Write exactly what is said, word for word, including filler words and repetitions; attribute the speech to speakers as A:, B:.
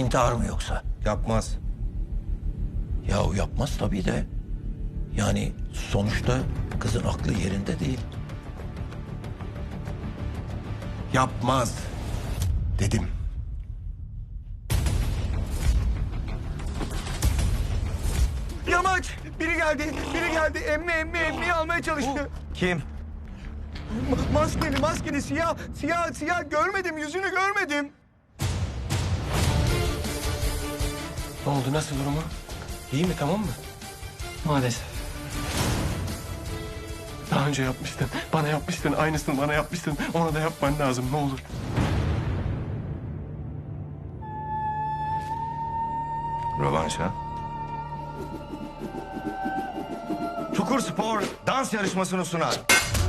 A: İntihar mı yoksa?
B: Yapmaz.
A: Yahu yapmaz tabii de. Yani sonuçta kızın aklı yerinde değil.
B: Yapmaz. Dedim.
C: Yamaç! Biri geldi, biri geldi. Emmi, emmi, emmi almaya çalıştı.
B: Kim?
C: Ma- maskeli, maskeli, siyah, siyah, siyah. Görmedim, yüzünü görmedim.
D: Ne oldu? Nasıl durumu? İyi mi? Tamam mı?
E: Maalesef.
D: Daha önce yapmıştın. Bana yapmıştın. Aynısını bana yapmıştın. Ona da yapman lazım. Ne olur.
B: Rövanş ha? Çukur Spor dans yarışmasını sunar.